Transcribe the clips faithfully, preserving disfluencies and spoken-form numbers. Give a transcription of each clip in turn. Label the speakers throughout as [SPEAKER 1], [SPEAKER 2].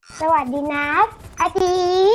[SPEAKER 1] สวัสดีนะอาทิ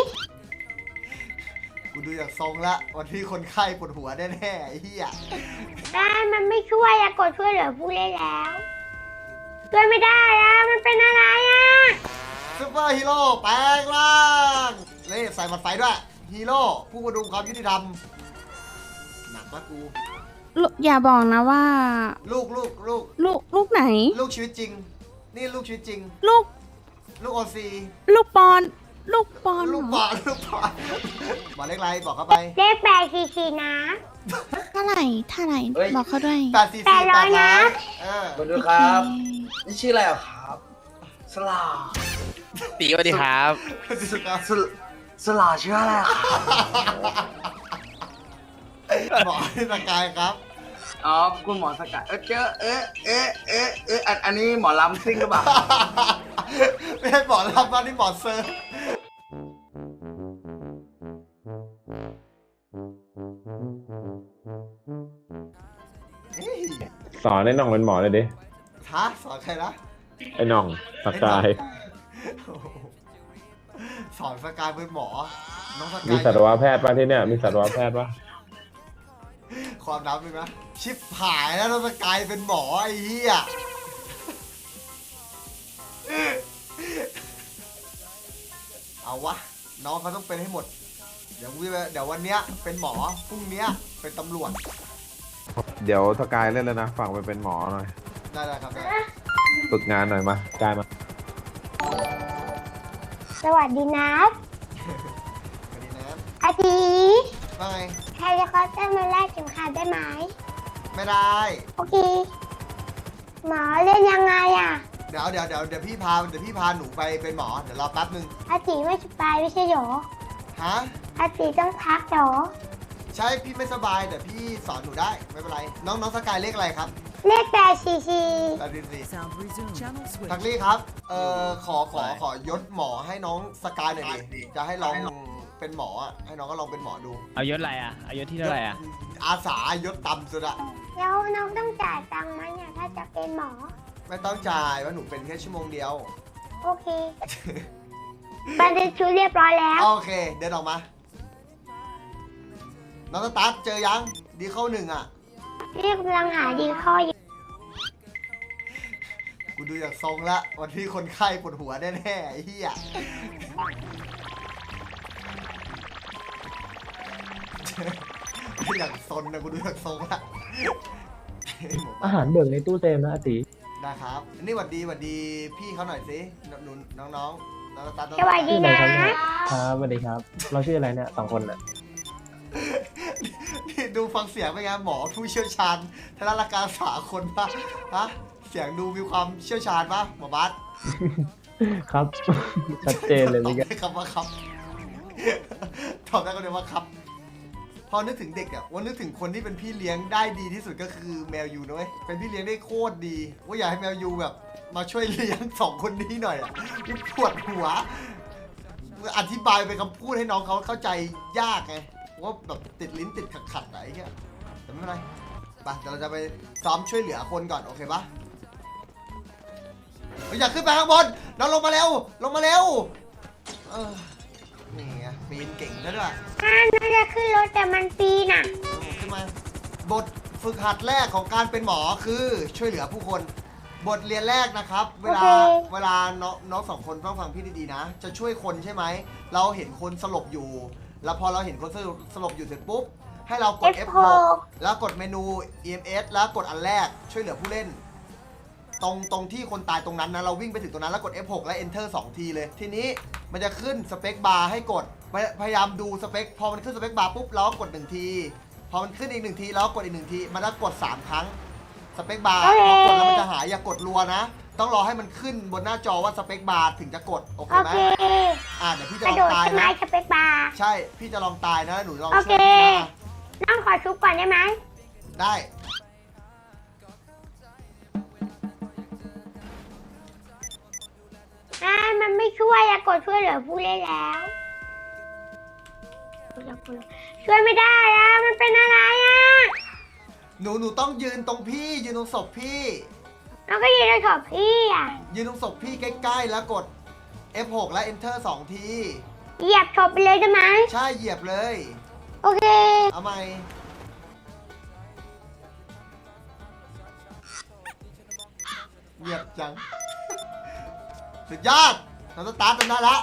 [SPEAKER 2] กูดูจากทรงละวันที่คนไข้ปวดหัวแน่ๆไอ้เหี้ย
[SPEAKER 1] ได้มันไม่ช่วยอะกดช่วยเหลือผู้เล่นแล้วช่วยไม่ได้อะมันเป็นอะไรอะ
[SPEAKER 2] ซุปเปอร์ฮีโร่แปลงร่างเลยใส่หมัดไฟด้วยฮีโร่ผู้ประดุงความยุติธรรมหนักมากกู
[SPEAKER 3] ลูกอย่าบอกนะว่า
[SPEAKER 2] ลูกลูกลูก
[SPEAKER 3] ลูกลูกไหน
[SPEAKER 2] ลูกชีวิตจริง นี่ลูกชีวิตจริง
[SPEAKER 3] ลูก
[SPEAKER 2] ลูกโอซี
[SPEAKER 3] ลูกปอน ลูกปอน
[SPEAKER 2] ลูก
[SPEAKER 3] เห
[SPEAKER 2] บ
[SPEAKER 3] ร
[SPEAKER 2] อ
[SPEAKER 3] อ
[SPEAKER 2] ลลูกบอลบอกเลขอะไรบอกเข้าไป
[SPEAKER 1] เลขแปดสี่สี่นะ
[SPEAKER 3] เท่าไหร่เท่าไหร่
[SPEAKER 4] เฮ้ย
[SPEAKER 3] บอกเขาด้วย
[SPEAKER 2] แปดสี่
[SPEAKER 1] แป
[SPEAKER 2] สี่
[SPEAKER 1] ดร้อยนะ
[SPEAKER 2] เออ
[SPEAKER 4] สวัสดีครับ
[SPEAKER 3] โอเค
[SPEAKER 4] นี่ชื่ออะไรอ่ะครับ สลา
[SPEAKER 5] ตีสวัสดีครับ
[SPEAKER 4] สลาสลาสลาชื่ออะไรอ่ะครับ
[SPEAKER 2] บอกให้สกายครับ
[SPEAKER 4] อ๋อคุณหมอสกัดเออเจอเอ๊ะเอ๊ะเอ๊ะเอ๊ะอันอันนี้หมอลำซิ่งหรือเปล่า
[SPEAKER 2] ไม่ให้บอกรับว่านี่บอกเซอร์
[SPEAKER 6] สอนไอ้น่องเป็นหมอเลยดิ
[SPEAKER 2] ฮะสอนใครนะ
[SPEAKER 6] ไอ้น่องสกาย
[SPEAKER 2] โอ้โหสอนสกายเป็นหมอ น้องสกาย
[SPEAKER 6] มีสัตวแพทย์ป่ะที่เนี่ย มีสัตวแพทย์ป่ะ
[SPEAKER 2] ความนับเลยนะชิปหายแล้วน้องสกายเป็นหมอไอ้เหี้ยเอาวะ น้องเขาต้องเป็นให้หมด เดี๋ยววิเดี๋ยววันเนี้ยเป็นหมอ พรุ่งเนี้ยเป็นตำรวจ
[SPEAKER 6] เดี๋ยวสกายเล่นแล้วนะฝากไปเป็นหมอหน่อย
[SPEAKER 2] ได้ได้ครับได้
[SPEAKER 6] ฝึกงานหน่อยมากายมา
[SPEAKER 1] สวัสดีนะ
[SPEAKER 2] สวัสดีนะ
[SPEAKER 1] อาทิ
[SPEAKER 2] ว่าไง
[SPEAKER 1] ใครจะเขาจะมาแลกเข็มขัดได้ไหม
[SPEAKER 2] ไม่ได้
[SPEAKER 1] โอเคหมอเล่นยังไงอะ
[SPEAKER 2] เดี๋ยวเดี๋ยวเดี๋ยวเดี๋ยวพี่พาเดี๋ยวพี่พาหนูไปเป็นหมอ เดี๋ยวรอแป๊บนึง
[SPEAKER 1] อาทิไม่สบายไม่ใช่หรอ
[SPEAKER 2] ฮะ
[SPEAKER 1] อาทิต้องพักหรอ
[SPEAKER 2] ใช่พี่ไม่สบายแต่พี่สอนหนูได้ไม่เป็นไร น้องน้องสกายเลขอะไรครับ
[SPEAKER 1] เลขแปดสี่สี่
[SPEAKER 2] แปดสี่
[SPEAKER 7] Sound resumed. Channel switch.
[SPEAKER 2] ทักลี่ครับ เอ่อ ขอ ขอ ขอยศหมอให้น้องสกายหน่อยดิ จะให้ลองเป็นหมออ่ะ ให้น้องก็ลองเป็นหมอดู
[SPEAKER 5] เอายศอะไรอ่ะเอายศที่เท่าไหร่อ่ะ
[SPEAKER 2] อาสายศต่ำสุดอะ
[SPEAKER 1] แล้วน้องต้องจ่ายตังค์ไหมเนี่ยถ้าจะเป็นหมอ
[SPEAKER 2] ไม่ต้องจ่ายว่าหนูเป็นแค่ชั่วโมงเดียว
[SPEAKER 1] โอเคบันทึกชุดเรียบร้อยแล้ว
[SPEAKER 2] โอเค เดินออกมา น้องสตาร์ทเจอยัง ดีเข้าหนึ่งอ่ะ
[SPEAKER 1] เรียกกำลังหาดีข้ออยู่
[SPEAKER 2] กูดูจากทรงละวันที่คนไข้ปวดหัวแน่ๆไอ้เหี้ย อย่างซนนะกูดูจากทรงละ
[SPEAKER 8] อาหารเบิกในตู้เต็มนะอาติ
[SPEAKER 2] ได้ครับอันนี้หวัดดีหวัดดีพี่เขาหน่อยสิหนูน้องน้องน้องสตาร์ทน้อง
[SPEAKER 1] สวัสดี
[SPEAKER 8] ชื่ออะไร
[SPEAKER 1] นะครับ
[SPEAKER 8] เนี่ยครับสวัสดีครับ เราชื่ออะไรเนี่ยสองคนน่ะ
[SPEAKER 2] นี่ดูฟังเสียงเป็นไงหมอผู้เชี่ยวชาญทางด้านการรักษาคนปะฮะเสียงดูมีความเชี่ยวชาญปะหมอบัส
[SPEAKER 8] ครับ ชัดเจนเลย
[SPEAKER 2] ตอ
[SPEAKER 8] นี่
[SPEAKER 2] บ
[SPEAKER 8] ก็
[SPEAKER 2] ได้คำว่าครับ ตอบได้ก็เลยว่าครับ พอนึกถึงเด็กอะว่านึกถึงคนที่เป็นพี่เลี้ยงได้ดีที่สุดก็คือแมวยูนะเว้ยเป็นพี่เลี้ยงได้โคตรดี ว่าอยากให้แมวยูแบบ มาช่วยเลี้ยงสองคนนี้หน่อยอะปวดหัว อธิบายเป็นคำพูดให้น้องเขาเข้าใจยากไงว่าแบบติดลิ้นติดขัดๆอะไรเงี้ยแต่ไม่เป็นไรไปเดี๋ยวเราจะไปซ้อมช่วยเหลือคนก่อนโอเคปะเฮ้ยอยากขึ้นไปข้างบนน้องลงมาเร็วลงมาเร็วเออนี่ไงปีนเก่งซะด้วย
[SPEAKER 1] ถ้าน่าจะขึ้นรถแต่มันปีนอ่ะ
[SPEAKER 2] ขึ้นมาบทฝึกหัดแรกของการเป็นหมอคือช่วยเหลือผู้คน บทเรียนแรกนะครับ เวลา
[SPEAKER 1] โอเค
[SPEAKER 2] เวลาน้องน้องสองคนต้องฟังพี่ดีๆนะ จะช่วยคนใช่ไหมเราเห็นคนสลบอยู่ แล้วพอเราเห็นคนสลบอยู่เสร็จปุ๊บให้เรากด
[SPEAKER 1] เอ
[SPEAKER 2] เอ
[SPEAKER 1] ฟ
[SPEAKER 2] ฟ
[SPEAKER 1] ห
[SPEAKER 2] ห
[SPEAKER 1] ก
[SPEAKER 2] กแล้วกดเมนู อี เอ็ม เอส แล้วกดอันแรกช่วยเหลือผู้เล่น ตรงตรงที่คนตายตรงนั้นนะเราวิ่งไปถึงตรงนั้นแล้วกด เอฟ หก และ Enter สองทีเลย ทีนี้มันจะขึ้นสเปคบาร์ให้กดพยพยายามดูสเปคพอมันขึ้นสเปคบาร์ปุ๊บเราก็กดหนึ่งทีพอมันขึ้นอีกหนึ่งทีเราก็กดอีกหนึ่งทีมันจะกดสามครั้งสเปคบาร์
[SPEAKER 1] โอเค
[SPEAKER 2] พอกดแล้วมันจะหายอย่ากดรัวนะ ต้องรอให้มันขึ้นบนหน้าจอว่าสเปคบาร์ถึงจะกดโอเค
[SPEAKER 1] โอ
[SPEAKER 2] ไหม
[SPEAKER 1] เค
[SPEAKER 2] อ่าเดี๋ยวพี่จะ
[SPEAKER 1] ก
[SPEAKER 2] ล
[SPEAKER 1] ระ
[SPEAKER 2] อง
[SPEAKER 1] โดด
[SPEAKER 2] ตาย
[SPEAKER 1] ใช่ไหม
[SPEAKER 2] นะ
[SPEAKER 1] สเปคบาร์
[SPEAKER 2] ใช่พี่จะลองตายนะแล้วหนูลอง
[SPEAKER 1] โอ
[SPEAKER 2] ช่
[SPEAKER 1] เค
[SPEAKER 2] วยพี่นะ
[SPEAKER 1] น้องขอชุบก่อนได้ไหม
[SPEAKER 2] ได้
[SPEAKER 1] อ่ามันไม่ช่วยอะกดช่วยเหลือผู้เล่นแล้วช่วยไม่ได้อะมันเป็นอะไรอะ
[SPEAKER 2] หนูหนูต้องยืนตรงพี่ยืนตรงศพพี่
[SPEAKER 1] น้องก็ยืนในขอบพี่อะ
[SPEAKER 2] ยืนตรงศพพี่ใกล้ๆแล้วกดเอฟหก และ Enter สองที
[SPEAKER 1] เหยียบถบไปเลยได้ไหม
[SPEAKER 2] ใช่เหยียบเลย
[SPEAKER 1] โอเค
[SPEAKER 2] เอาใหม่เหยียบจัง สุดยอดเราสตาร์ทกันได้ละ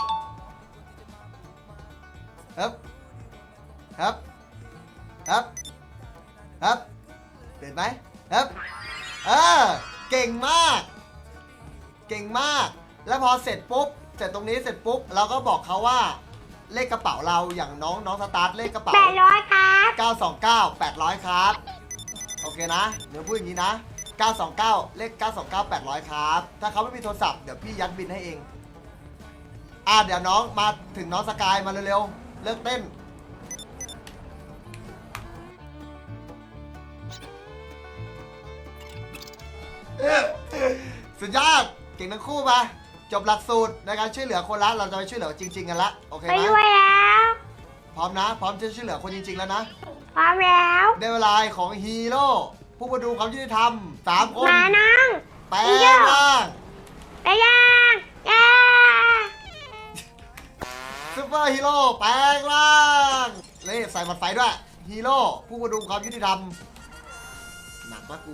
[SPEAKER 2] ครับ ครับครับครับเห็นไหมครับเออเก่งมาก เก่งมาก แล้วพอเสร็จปุ๊บ เสร็จตรงนี้เสร็จปุ๊บ เราก็บอกเขาว่า เลขกระเป๋าเราอย่างน้องน้องสตาร์ทเลขกระเป๋า
[SPEAKER 1] แปดร้อยครับ
[SPEAKER 2] เก้าสองเก้า แปดร้อยครับ โอเคนะ เดี๋ยวพูดอย่างนี้นะ เก้าสองเก้า เลข เก้าสองเก้า แปดร้อยครับ ถ้าเขาไม่มีโทรศัพท์ เดี๋ยวพี่ยัดบินให้เอง อ่ะเดี๋ยวน้องมาถึงน้องสกายมาเร็วๆ เลิกเต้น สุดยอด เก่งทั้งคู่มา จบหลักสูตรในการช่วยเหลือคนละ เราจะไปช่วยเหลือจริง ๆ กันละ โอเค
[SPEAKER 1] ไป
[SPEAKER 2] ไหม
[SPEAKER 1] ด้วยแล้ว
[SPEAKER 2] พร้อมนะ พร้อมจะช่วยเหลือคนจริง ๆ แล้วนะ
[SPEAKER 1] พร้อมแล้ว
[SPEAKER 2] ได้เวลาของฮีโร่ผู้มาดูความยุติธรรมสามคน
[SPEAKER 1] มาน้อง
[SPEAKER 2] แปลงร่าง
[SPEAKER 1] ไปย่างย่า
[SPEAKER 2] ซูเปอร์ฮีโร่แปลงร่าง เลยใส่หมัดไฟด้วยฮีโร่ผู้มาดูความยุติธรรมหนักละกู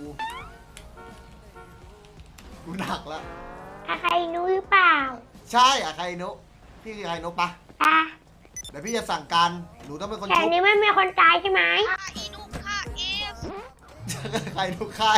[SPEAKER 2] กูหนักละ
[SPEAKER 1] อาใครรู้หรือเปล่า
[SPEAKER 2] ใช่อะใครนุพี่คือใครนุปะ
[SPEAKER 1] อ่ะ
[SPEAKER 2] เดี๋ยวพี่จะสั่งการหนูต้องเป็นคน
[SPEAKER 1] แถว
[SPEAKER 2] ชุบ
[SPEAKER 1] นี้ไม่มีคนตายใช่ไหม
[SPEAKER 2] ใครนุค่าย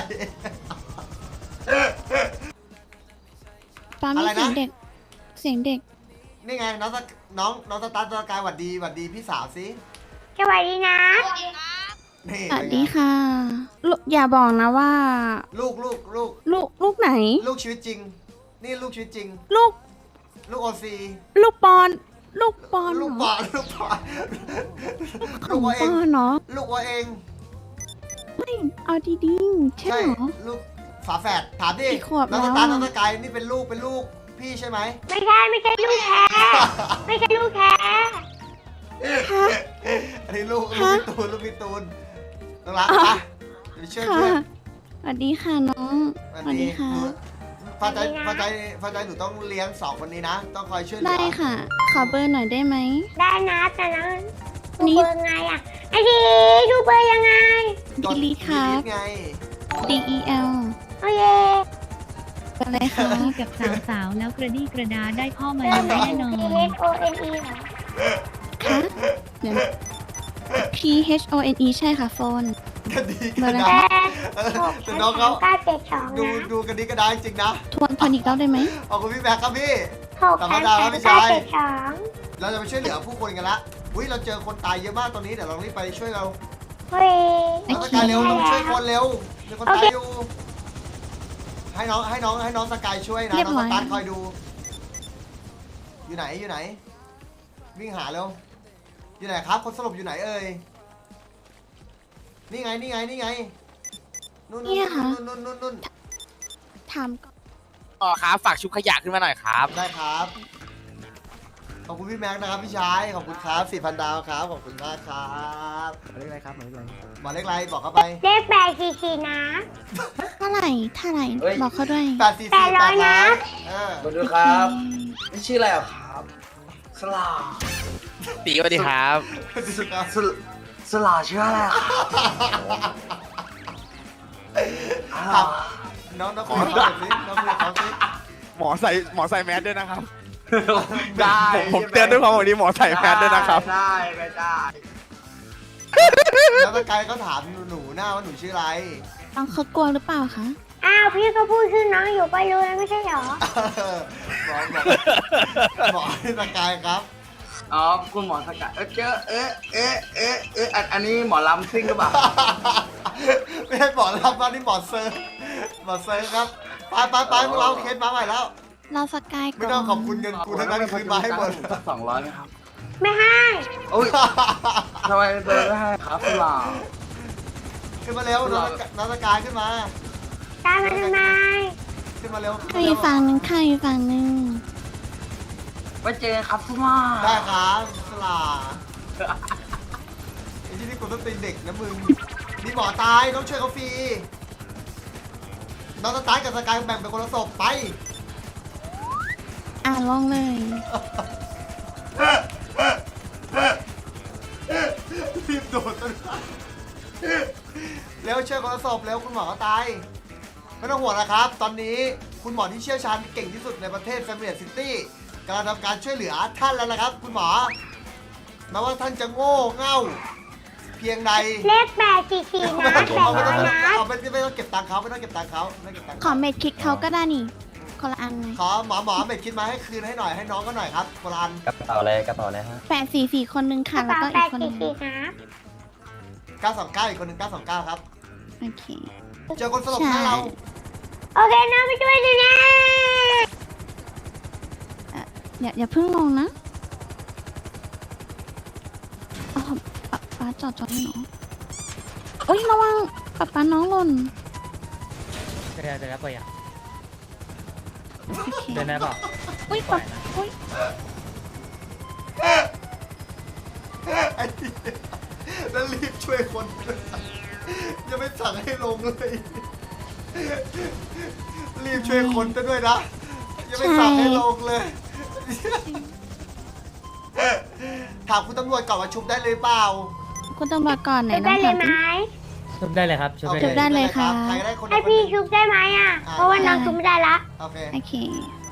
[SPEAKER 3] ปามี
[SPEAKER 2] อะไรนะ
[SPEAKER 3] เสียงเด็ก เสียงเด็ก
[SPEAKER 2] นี่ไงน้องสกน้องน้องสตาร์ทสกายหวัดดีหวัดดีพี่สาวสิ
[SPEAKER 1] สวัสดีนะ
[SPEAKER 2] นี่
[SPEAKER 3] สวัส
[SPEAKER 2] เป็นไง
[SPEAKER 3] ดีค่ะลูกอย่าบอกนะว่า
[SPEAKER 2] ลูกลูกลูก
[SPEAKER 3] ลูกลูกไหน
[SPEAKER 2] ลูกชีวิตจริง นี่ลูกชีวิตจริง
[SPEAKER 3] ลูก
[SPEAKER 2] ลูกโอซี
[SPEAKER 3] ลูกปอน ลูกปอน
[SPEAKER 2] ลูก
[SPEAKER 3] เห
[SPEAKER 2] บ
[SPEAKER 3] ร
[SPEAKER 2] อ
[SPEAKER 3] อ
[SPEAKER 2] ลลูกบอล
[SPEAKER 3] ข
[SPEAKER 2] ลู
[SPEAKER 3] อก ง
[SPEAKER 2] ว่า
[SPEAKER 3] ป
[SPEAKER 2] เอง
[SPEAKER 3] อนเนาะ
[SPEAKER 2] ลูกว่าเอง
[SPEAKER 3] ไม่เอาดีๆใช่เหรอ
[SPEAKER 2] ลูกฝาแฝดถามดิ
[SPEAKER 3] กี่ขวบ
[SPEAKER 2] น้อง
[SPEAKER 3] แล้
[SPEAKER 2] ส
[SPEAKER 3] ว
[SPEAKER 2] ตาร์
[SPEAKER 3] อะ
[SPEAKER 2] น้องสกายนี่เป็นลูกเป็นลูกพี่ใช่ไหม
[SPEAKER 1] ไม่ใช่ไม่ใช่ลูกแท้ ไม่ใช่ลูกแท้
[SPEAKER 3] คะ
[SPEAKER 2] อันนี้ลูกลูก
[SPEAKER 3] ฮะ
[SPEAKER 2] พี่ตูนลูกพี่ตูนน้องรัก
[SPEAKER 3] อ่ะ
[SPEAKER 2] ปะจะไปช่วย
[SPEAKER 3] ค่ะ
[SPEAKER 2] เพื่อน
[SPEAKER 3] สวัสดีค่ะน้อง สวัสดีค่ะ
[SPEAKER 2] หนูฟ้าใจฟ้าใจฟ้าใจหนูต้องเลี้ยงสองคนนี้นะ ต้องคอยช่วยเหลื
[SPEAKER 3] ได้ค่ะ ขอเบอร์หน่อยได้ไหม
[SPEAKER 1] ได้นะแต่นะดู
[SPEAKER 3] นี่
[SPEAKER 1] เบอร์ไงอ่ะไอ้ดีดูเบอร์ยังไง
[SPEAKER 2] กด
[SPEAKER 3] ดีลีค่ะ
[SPEAKER 2] ดีลีทไง
[SPEAKER 3] D E L
[SPEAKER 1] โอเค
[SPEAKER 3] อะไรคะ
[SPEAKER 7] กับสาวๆ แล้วกระดี้กระดาได้พ่อมา
[SPEAKER 1] เบอร์ไหน
[SPEAKER 7] แน่นอน
[SPEAKER 1] P H O N E เหรอ
[SPEAKER 3] คะเดี๋ยวนะ P H O N E ใช่ค่ะโฟน
[SPEAKER 2] กันดี
[SPEAKER 3] เบ
[SPEAKER 2] กั
[SPEAKER 3] อน ร์อะไร
[SPEAKER 2] ดา
[SPEAKER 1] แปด
[SPEAKER 2] เออ
[SPEAKER 1] หก
[SPEAKER 2] แต่
[SPEAKER 1] สาม
[SPEAKER 2] น้องเขา
[SPEAKER 1] เก้าเจ็ดสอง
[SPEAKER 2] ดู
[SPEAKER 1] นะ
[SPEAKER 2] ดูกันดีกระดาจริงๆนะ
[SPEAKER 3] ทวนทวนอีกรอบได้ไหม
[SPEAKER 2] ขอบคุณพี่แบ็คครับพี่
[SPEAKER 1] หก
[SPEAKER 2] ธรรม
[SPEAKER 1] สาม
[SPEAKER 2] ดา
[SPEAKER 1] สาม
[SPEAKER 2] พี่
[SPEAKER 1] เก้า
[SPEAKER 2] ชาย
[SPEAKER 1] เจ็ดสอง
[SPEAKER 2] เราจะไปช่วยเหลือผู้คนกันละอุ้ยเราเจอคนตายเยอะมากตอนนี้เดี๋ยวเรารีบไปช่วยเรา
[SPEAKER 1] เฮ้ย
[SPEAKER 2] น้องสกายเร็วต้องช่วยคนเร็วมีคนตายอยู่ ให้น้องให้น้องให้น้องสกายช่วยนะ
[SPEAKER 3] เรียบ
[SPEAKER 2] น้อง
[SPEAKER 3] ร้
[SPEAKER 2] ส
[SPEAKER 3] อย
[SPEAKER 2] ตาร์ทคอยดู อยู่ไหนอยู่ไหน วิ่งหาเร็ว อยู่ไหนครับ คนสลบอยู่ไหนเอ่ย นี่ไงนี่ไงนี่ไงนู่นนู่นนู่นนู่นนู่นนู่น
[SPEAKER 3] ถามก่อน
[SPEAKER 5] อ๋อครับ ฝากชุบขยะขึ้นมาหน่อยครับ
[SPEAKER 2] ได้ครับ ขอบคุณพี่แม็กซ์นะครับพี่ชาย ขอบคุณครับสี่พันดาวครับ ขอบคุณมากครับหมายเลขอะไรครับหมายเลขอะไรหมายเลขอะไรบอกเข้าไป
[SPEAKER 1] เลขแปดสี่สี่นะ
[SPEAKER 3] เท่าไหร่เท่าไหร่
[SPEAKER 4] เฮ้ย
[SPEAKER 3] บอกเขาด้วย
[SPEAKER 2] แปดสี่
[SPEAKER 1] แป
[SPEAKER 2] สี่
[SPEAKER 1] ดร้อยนะ
[SPEAKER 2] เออ
[SPEAKER 4] มาดูครับนี่ชื่ออะไรอ่ะครับ สลา
[SPEAKER 5] ตีสวัสดีครับ
[SPEAKER 2] สุดครับ
[SPEAKER 4] สลสลาชื่ออะไรอ่ะครับอ้าว
[SPEAKER 2] น้องน้องขอเขาหน่อยสิน้องคุยกับเขาสิ
[SPEAKER 5] หมอใส่หมอใส่แมสด้วยนะครับ
[SPEAKER 4] ได้
[SPEAKER 5] ผมผมเตือนด้วยความหวังดีหมอใส่แมสด้วยนะครับ
[SPEAKER 4] ได้ไม่ได้
[SPEAKER 2] แล้วสกายเขาถามหนูหน้าว่าหนูชื่ออะไร
[SPEAKER 3] น้องเขากลัวหรือเปล่าคะ
[SPEAKER 1] อ้าวพี่ก็พูดชื่อน้องอยู่ก็รู้แล้วไม่ใช่เหรอ
[SPEAKER 2] บอกบอกบอกให้สกายครับ
[SPEAKER 4] อ๋อคุณหมอสกัดเออเจอเอ๊ะเอ๊ะเอ๊ะเอ๊ะอันอันนี้หมอลำซิ่งหรือเปล่า
[SPEAKER 2] ไม่ให้บอกรับว่านี่หมอเซิร์ฟหมอเซิร์ฟครับ ไปไปไปพวกเราเคสมาใหม่แล้ว
[SPEAKER 3] เราสกายก่อน
[SPEAKER 2] ไม่ต้องขอบคุณเงินกูทั้งนั้นคืนมาให้หมด
[SPEAKER 4] สักสองร้อยไหมครับ
[SPEAKER 1] ไม่ให้
[SPEAKER 4] โอ้ยทำไมเบอร์ไม่ให้ครับสลา
[SPEAKER 2] ขึ้นมาเร็วน้องสน้องสกายขึ้นมา
[SPEAKER 1] ตามมาทำไม
[SPEAKER 2] ขึ้นมาเร็ว
[SPEAKER 3] ใครอยู่ฝั่งหนึ่งใครอยู่ฝั่งหนึ่ง
[SPEAKER 4] ไว้เจอกันครับสลา
[SPEAKER 2] ได้ครับสลาไอ้ที่นี่กูต้องตีเด็กนะมึงมีหมอตายต้องช่วยเขาฟรีน้องสตาร์ทกับสกายแบ่งเป็นคนละศพไป
[SPEAKER 3] อ่ะอ่ะลองเลย
[SPEAKER 2] รีบโดดต้นไม้แล้วเชื่อคนละศพแล้วคุณหมอก็ตายไม่ต้องห่วงนะครับ ตอนนี้คุณหมอที่เชี่ยวชาญเก่งที่สุดในประเทศแฟมิเลียซิตี้กำลังทำการช่วยเหลือท่านแล้วนะครับ คุณหมอแม้ว่าท่านจะโง่เง่าเพียงใด
[SPEAKER 1] เลขแปดสี่สี่นะแปด
[SPEAKER 2] เอาไม่
[SPEAKER 1] ร้
[SPEAKER 2] ต้
[SPEAKER 1] อ
[SPEAKER 2] อง
[SPEAKER 1] ยนะ
[SPEAKER 2] เอาไม่ไม่ต้องเก็บตังค์เขาไม่ต้องเก็บตังค์เขาไม่ต้องเก็บตังค์
[SPEAKER 3] ขอเม็ดคิดเขาก็ได้นี่ คนละอันไง
[SPEAKER 2] ขอหมอหมอเบ็ดคิดมาให้คืนให้หน่อยให้น้องก็หน่อยครับโบราณ
[SPEAKER 8] กระเป๋าอะไรกระเป๋าอะไรฮะ
[SPEAKER 3] แปดสี่สี่คนนึง
[SPEAKER 1] ก
[SPEAKER 3] ค่ะ
[SPEAKER 1] ระ
[SPEAKER 3] แล้ว
[SPEAKER 1] เป๋า
[SPEAKER 3] ก็
[SPEAKER 1] แป
[SPEAKER 3] อีก
[SPEAKER 1] ด
[SPEAKER 3] คนนึ
[SPEAKER 1] สี่
[SPEAKER 3] ง
[SPEAKER 1] สี่นะ
[SPEAKER 2] เก้าสองเก้าอีกคนหนึ่งเก้าสองเก้าครับ
[SPEAKER 3] โอเค
[SPEAKER 2] เจอคนสลบหน้าเรา
[SPEAKER 1] โอเคน้องไปช่วยดูนะ
[SPEAKER 3] อย่าอย่าเพิ่งลงนะเอาป๊าป๊าจอดจอดให้น้องโอ้ยระวังป๊าป๊าน้องหล่น
[SPEAKER 8] เดินเดินแล้วไปอ่ะ
[SPEAKER 3] โอเค
[SPEAKER 8] เดินได้เปล่า
[SPEAKER 3] อุ้ยป๊าอุ้ย
[SPEAKER 2] ไอ้เหี้ยแล้วรีบช่วยคนยังไม่สั่งให้ลงเลยรีบช่วยคนจะด้วยนะยังไม่สั่งให้ลงเลยถามคุณตำรวจก่อนว่าชุบได้เลยเปล่า
[SPEAKER 3] คุณตำรวจก่อนไหน
[SPEAKER 1] ชุบได้
[SPEAKER 3] น้อง
[SPEAKER 1] เลย
[SPEAKER 3] ถาม
[SPEAKER 1] ไหม
[SPEAKER 3] สิ
[SPEAKER 8] ชุบได้เลยครับชุบ
[SPEAKER 2] โอ
[SPEAKER 8] ได้
[SPEAKER 2] เค
[SPEAKER 8] เลย
[SPEAKER 3] ได้เลยค่ะ
[SPEAKER 2] ใครได้คน
[SPEAKER 1] ให้พี่ชุบได้ไหมอ่ะ เพราะว่าน้องชุบไม่ได้ละ
[SPEAKER 2] โอเค
[SPEAKER 3] โอเค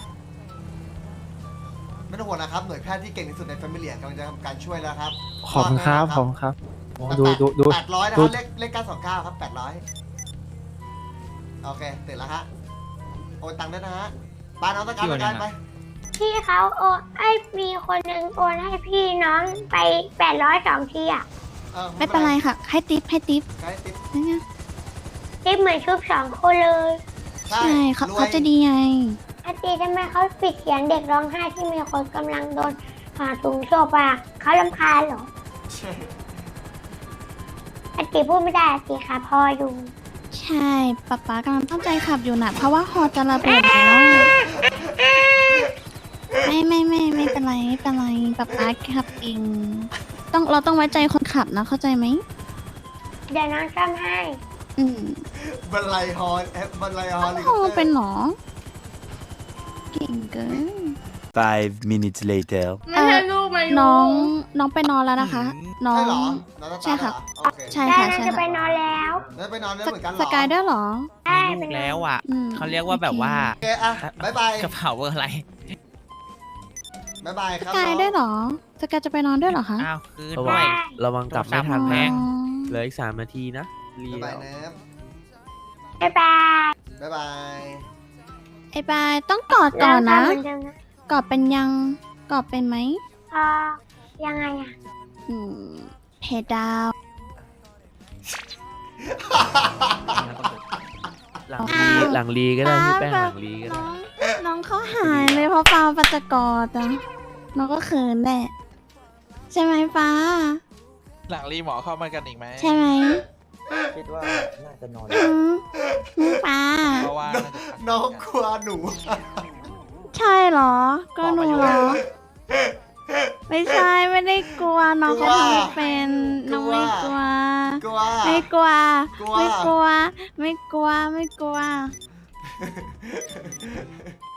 [SPEAKER 2] ไม่ต้องห่วงนะครับหน่วยแพทย์ที่เก่งที่สุดในแฟมิเลียกำลังจะทำการช่วยแล้วครับ
[SPEAKER 6] ขอบคุณครับ ขอบคุณครับโอ้ดูดูดู
[SPEAKER 2] แปดร้อยนะค
[SPEAKER 6] ดู
[SPEAKER 2] รับเลขเลขเก้าสองเก้าครับแปดร้อยโอเคตื่นแล้วฮะโอนตังค์ด้วยนะฮะปาน้องตะการตะการไป
[SPEAKER 1] พี่เขาโอนไอ้มีคนหนึ่งโอนให้พี่น้องไปแปดร้อยสองทีอ่ะ
[SPEAKER 2] ออ
[SPEAKER 3] ไม่เป็นไรค่ะ ให้ติปให้ติป
[SPEAKER 2] ใช้ติ๊บ
[SPEAKER 3] นะเนี่ย
[SPEAKER 1] ที่เหมือนชุบสองคนเลย
[SPEAKER 3] ใช่เขา
[SPEAKER 2] รวย
[SPEAKER 3] เขาจะดีไง
[SPEAKER 1] อาตีทำไมเขาปิดเสียงเด็กร้องไห้ที่มีคนกำลังโดนหาถุงศพอ่ะเขาลำคาญเหรอ
[SPEAKER 2] ใช่
[SPEAKER 1] อาตีพูดไม่ได้อาตีค่ะพออยู่
[SPEAKER 3] ใช่ป๊าป๊ากำลังตั้งใจขับอยู่นะเพราะว่าฮอจะระเบิดแล้วไม่ไม่ไม่ไม่เป็นไรไม่เป็นไรป๊าป๊าขับเองต้องเราต้องไว้ใจคนขับนะเข้าใจไหม
[SPEAKER 1] เดี๋ยวน้องซ่อมให้
[SPEAKER 3] อืม
[SPEAKER 2] บันไลฮอลแอปบันไลฮอล
[SPEAKER 3] ฮอเป็นหรอเก่งเกิน
[SPEAKER 9] Five minutes later
[SPEAKER 3] ไม่ใช่ลูกมาน้องน้องไปนอนแล้วนะคะ น้อ
[SPEAKER 2] ใช่
[SPEAKER 3] ง
[SPEAKER 2] เหรอน้องตา
[SPEAKER 3] ใช่ค่ะ
[SPEAKER 2] เหรอโอเค
[SPEAKER 3] ใช่
[SPEAKER 1] ได้
[SPEAKER 3] ค่ะ
[SPEAKER 1] น้อง
[SPEAKER 3] ใช่
[SPEAKER 1] จะไป
[SPEAKER 3] ค่ะ
[SPEAKER 1] นอนแล้ว
[SPEAKER 2] แล้วไปนอนด้วยเหมือนกันเหร
[SPEAKER 3] ส
[SPEAKER 2] อก
[SPEAKER 3] ายด้วยเหรอ
[SPEAKER 1] ได้
[SPEAKER 5] มี
[SPEAKER 1] ไป
[SPEAKER 5] ลูก
[SPEAKER 1] นอน
[SPEAKER 5] แล้วอ่ะ
[SPEAKER 3] อืม
[SPEAKER 5] เขาเรียกว่าแบบว่า
[SPEAKER 2] โอเคอะบายบาย
[SPEAKER 5] กระเป๋าเบอร์อะไร
[SPEAKER 2] บายบาย
[SPEAKER 3] ส
[SPEAKER 2] ครับ
[SPEAKER 3] กายด้วยเหรอสกายจะไปนอนด้วยเหรอคะ
[SPEAKER 5] อ้าวคืน
[SPEAKER 9] ระ
[SPEAKER 5] ด้
[SPEAKER 9] วั
[SPEAKER 5] วย
[SPEAKER 9] งระวังกลับไม่ทัน
[SPEAKER 5] แพ
[SPEAKER 9] นะ
[SPEAKER 5] ง
[SPEAKER 9] เหลืออีกสามนาทีนะรี
[SPEAKER 2] บายบาย
[SPEAKER 9] แล้ว
[SPEAKER 2] นะ
[SPEAKER 1] บ๊ายบาย
[SPEAKER 2] บายบาย
[SPEAKER 3] ไอ้บายต้องกอดก่อนนะ
[SPEAKER 1] เราทำเหมือนเดิมนะ
[SPEAKER 3] กอดเป็นยังกอดเป็นไหม
[SPEAKER 1] เออยังไงอ่ะ
[SPEAKER 3] อืมเพดาว
[SPEAKER 9] หลังรีหลังรีก็ได้พี่แป้งหลังรีก็
[SPEAKER 3] น้
[SPEAKER 9] ได้
[SPEAKER 3] องน้องเขาหายเลยเพราะฟ้าปัจจกอดอ่ะน้องก็เขินแหละใช่ไหมฟ้า
[SPEAKER 5] หลังรีหมอเข้ามากันอีกไหม
[SPEAKER 3] ใช่ไหม
[SPEAKER 8] คิดว่าน่าจะนอน
[SPEAKER 3] อืมน้องฟ้า
[SPEAKER 5] เพราะว่า
[SPEAKER 2] น้องกลัวหนู
[SPEAKER 3] ใช่เหรอ ก็หนูเหรอ ไม่ใช่ไม่ได้กลัวน้องเขาทำไม่เป็นน้องไม่กลัว
[SPEAKER 2] กลัว
[SPEAKER 3] ไม่กลัว
[SPEAKER 2] กลัว
[SPEAKER 3] ไม่กลัว ไม่กลัว ไม่กลัว